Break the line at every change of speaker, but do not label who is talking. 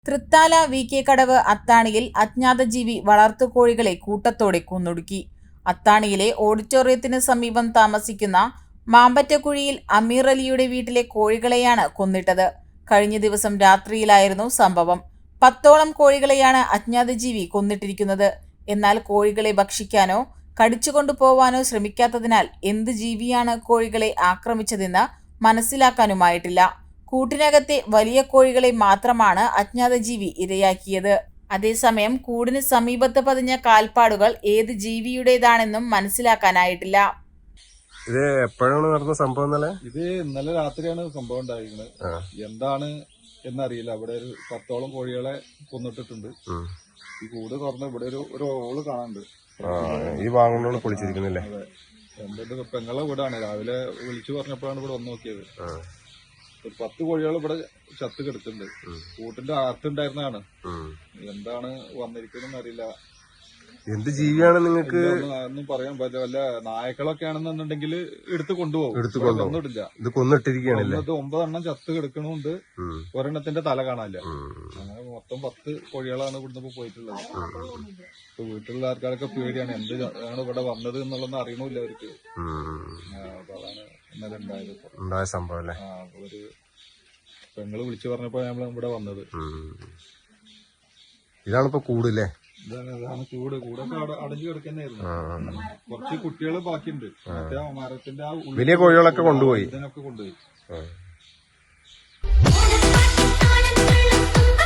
Thrithala VK കടവ് അത്താണിയിൽ അജ്ഞാതജീവി വളർത്തുകോഴികളെ കൂട്ടത്തോടെ കൊന്നൊടുക്കി. അത്താണിയിലെ ഓഡിറ്റോറിയത്തിന് സമീപം താമസിക്കുന്ന മാമ്പറ്റക്കുഴിയിൽ അമീർ അലിയുടെ വീട്ടിലെ കോഴികളെയാണ് കൊന്നിട്ടത്. കഴിഞ്ഞ ദിവസം രാത്രിയിലായിരുന്നു സംഭവം. 10ഓളം കോഴികളെയാണ് അജ്ഞാതജീവി കൊന്നിട്ടിരിക്കുന്നത്. എന്നാൽ കോഴികളെ ഭക്ഷിക്കാനോ കടിച്ചുകൊണ്ടുപോവാനോ ശ്രമിക്കാത്തതിനാൽ എന്ത് ജീവിയാണ് കോഴികളെ ആക്രമിച്ചതെന്ന് മനസ്സിലാക്കാനുമായിട്ടില്ല. കൂട്ടിനകത്തെ വലിയ കോഴികളെ മാത്രമാണ് അജ്ഞാതജീവി ഇരയാക്കിയത്. അതേസമയം കൂടിന് സമീപത്ത് പതിഞ്ഞ കാൽപ്പാടുകൾ ഏത് ജീവിയുടേതാണെന്നും മനസ്സിലാക്കാനായിട്ടില്ല.
ഇത് എപ്പോഴാണ് നടന്ന സംഭവം?
ഇത് ഇന്നലെ രാത്രിയാണ് സംഭവം ഉണ്ടായിരിക്കുന്നത്. എന്താണ് എന്നറിയില്ല. അവിടെ ഒരു 10ഓളം കോഴികളെ കൊന്നിട്ടിട്ടുണ്ട്. ഈ കൂട് തുറന്ന് ഇവിടെ ഒരു ഓള് കാണാനുണ്ട്.
ഈ ഭാഗങ്ങളോട് പൊളിച്ചിരിക്കുന്നില്ലേ?
എന്തെങ്കിലും പെങ്ങളെ വീടാണ്. രാവിലെ വിളിച്ചു പറഞ്ഞപ്പോഴാണ് ഇവിടെ വന്ന് നോക്കിയത്. ഒരു 10 കോഴികൾ ഇവിടെ ചത്ത് കിടക്കുന്നുണ്ട്. കൂട്ടിന്റെ അകത്തുണ്ടായിരുന്നതാണ്. എന്താണ് വന്നിരിക്കുന്നതെന്ന് അറിയില്ല.
എന്ത് ജീവിയാണ് നിങ്ങൾക്ക്
ഒന്നും പറയാൻ പറ്റില്ല. വല്ല നായക്കളൊക്കെ ആണെന്നുണ്ടെങ്കിൽ എടുത്ത് കൊണ്ടുപോകും. ഒന്നുമില്ല.
ഇത് കൊന്നിട്ടിരിക്കുകയാണല്ലേ?
9 എണ്ണം ചത്ത് കിടക്കണമുണ്ട്. ഒരെണ്ണത്തിന്റെ തല കാണാനില്ല. അങ്ങനെ മൊത്തം 10 കോഴികളാണ് ഇവിടുന്ന് പോയിട്ടുള്ളത്. ഇപ്പൊ വീട്ടിലുള്ള ആൾക്കാരൊക്കെ പേടിയാണ്. എന്താണ് ഇവിടെ വന്നത് എന്നുള്ളതൊന്നും അറിയണില്ല അവർക്ക്. അതാണ് ഇന്നലെ ഉണ്ടായ
സംഭവം അല്ലേ?
ഒരു പെങ്ങള് വിളിച്ചു പറഞ്ഞപ്പോ നമ്മൾ ഇവിടെ വന്നത്.
ഇതാണിപ്പോ കൂടല്ലേ?
ഇതാണ് കൂടൊക്കെ അടഞ്ഞു കിടക്കുന്നതായിരുന്നു. കുറച്ച് കുട്ടികൾ ബാക്കിയുണ്ട്. മറ്റേ മരത്തിന്റെ
വലിയ കോഴികളൊക്കെ കൊണ്ടുപോയി.
ഇതിനൊക്കെ കൊണ്ടുപോയി.